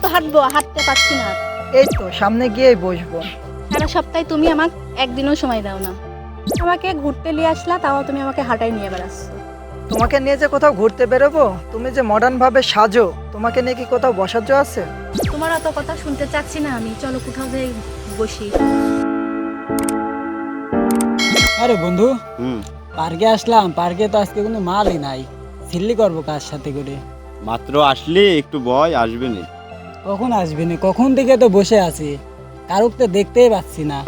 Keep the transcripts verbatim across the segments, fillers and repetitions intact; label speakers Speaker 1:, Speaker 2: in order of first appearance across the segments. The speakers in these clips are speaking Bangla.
Speaker 1: হাঁটবো, হাঁটতে পারছি না।
Speaker 2: এই তো সামনে গিয়েই বসবো।
Speaker 1: সারা সপ্তাহে তুমি আমাকে একদিনও সময় দাও না। আমাকে ঘুরতে নিয়ে আসলা, তাও তুমি আমাকে হাঁটাই নিয়ে বেড়াচ্ছ।
Speaker 2: তোমাকে নিয়ে যে কোথাও ঘুরতে বেরোবো, তুমি যে মডার্ন ভাবে সাজো, তোমাকে নিয়ে কি কোথাও বসার জো আছে?
Speaker 1: তোমার অত কথা শুনতে চাচ্ছি না আমি, চলো কোথাও যাই বসি।
Speaker 3: আরে বন্ধু,
Speaker 4: হুম
Speaker 3: পার্কে আসলাম। পার্কে তো আজকে কোনো মালই নাই। সিল্লি করবো কার সাথে করে?
Speaker 4: মাত্র আসলি, একটু বয়, আসবে না।
Speaker 3: কখন আসবি না? কখন থেকে তো বসে আছি, কারুক তো দেখতেই পাচ্ছি না।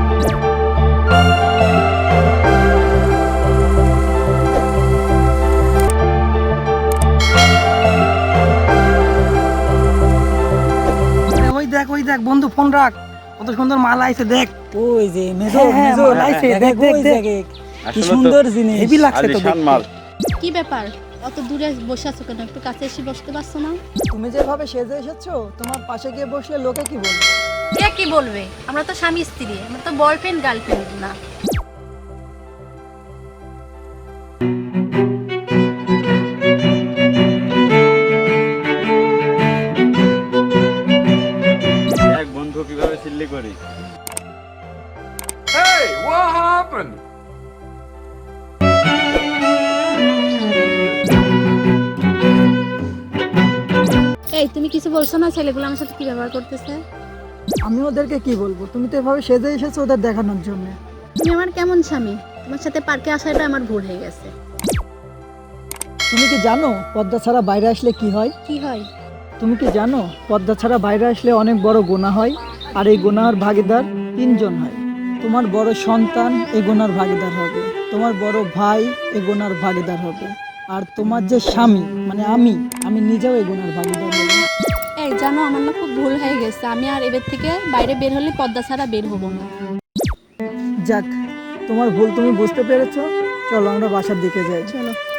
Speaker 2: ওই দেখ ওই দেখ বন্ধু, ফোন রাখ, কত সুন্দর মাল আইছে দেখ।
Speaker 3: ওই যে মেজো
Speaker 2: হ্যাঁ, হ্যাঁ,
Speaker 3: মেজো
Speaker 2: মাল আইছে,
Speaker 3: দেখ,
Speaker 2: দেখ,
Speaker 3: ওই
Speaker 2: দেখ, দেখ।
Speaker 3: দেখে, কি
Speaker 4: আসলে তো
Speaker 3: সুন্দর জিনিস।
Speaker 2: হেভি লাগছে তো
Speaker 4: আলিশান
Speaker 2: দেখতে।
Speaker 4: মাল।
Speaker 1: কি ব্যাপার, অত দূরে বসে আছো কেন? একটু কাছে এসে বসতে পারছো না?
Speaker 2: তুমি যেভাবে সেজে এসেছো, তোমার পাশে গিয়ে বসলে লোকে কি বলবে?
Speaker 1: কে কি বলবে? আমরা তো স্বামী স্ত্রী, আমরা তো বয়ফ্রেন্ড গার্লফ্রেন্ড না।
Speaker 4: এক বন্ধু কিভাবে সিল্লি করি।
Speaker 5: Hey, what happened?
Speaker 1: এই তুমি কিছু বলছো না? ছেলেগুলো আমার সাথে কি ব্যবহার করতেছে?
Speaker 2: আমি ওদেরকে কি বলবো? তুমি তো এভাবে সেজে এসেছো ওদের দেখানোর জন্য।
Speaker 1: তুমি আমার কেমন স্বামী? তোমার সাথে পার্কে আসাটা আমার ভুল হয়ে গেছে।
Speaker 2: তুমি কি জানো পর্দা ছাড়া বাইরে আসলে কি হয়?
Speaker 1: কি হয়?
Speaker 2: তুমি কি জানো পর্দা ছাড়া বাইরে আসলে অনেক বড় গুনাহ হয়, আর এই গুনাহর ভাগীদার তিনজন হয়। তোমার বড় সন্তান এই গুনার ভাগীদার হবে, তোমার বড় ভাই এই গুনার ভাগীদার হবে, আর তোমার যে স্বামী মানে আমি আমি নিজেও এই গুনার ভাগীদার হব।
Speaker 1: এই জানো, আমার না খুব ভুল হয়ে গেছে। আমি আর এবার থেকে বাইরে বের হলে পর্দা ছাড়া বের হবো না।
Speaker 2: যাক, তোমার ভুল তুমি বুঝতে পেরেছো। চলো আমরা বাসার দিকে যাই।
Speaker 1: চলো।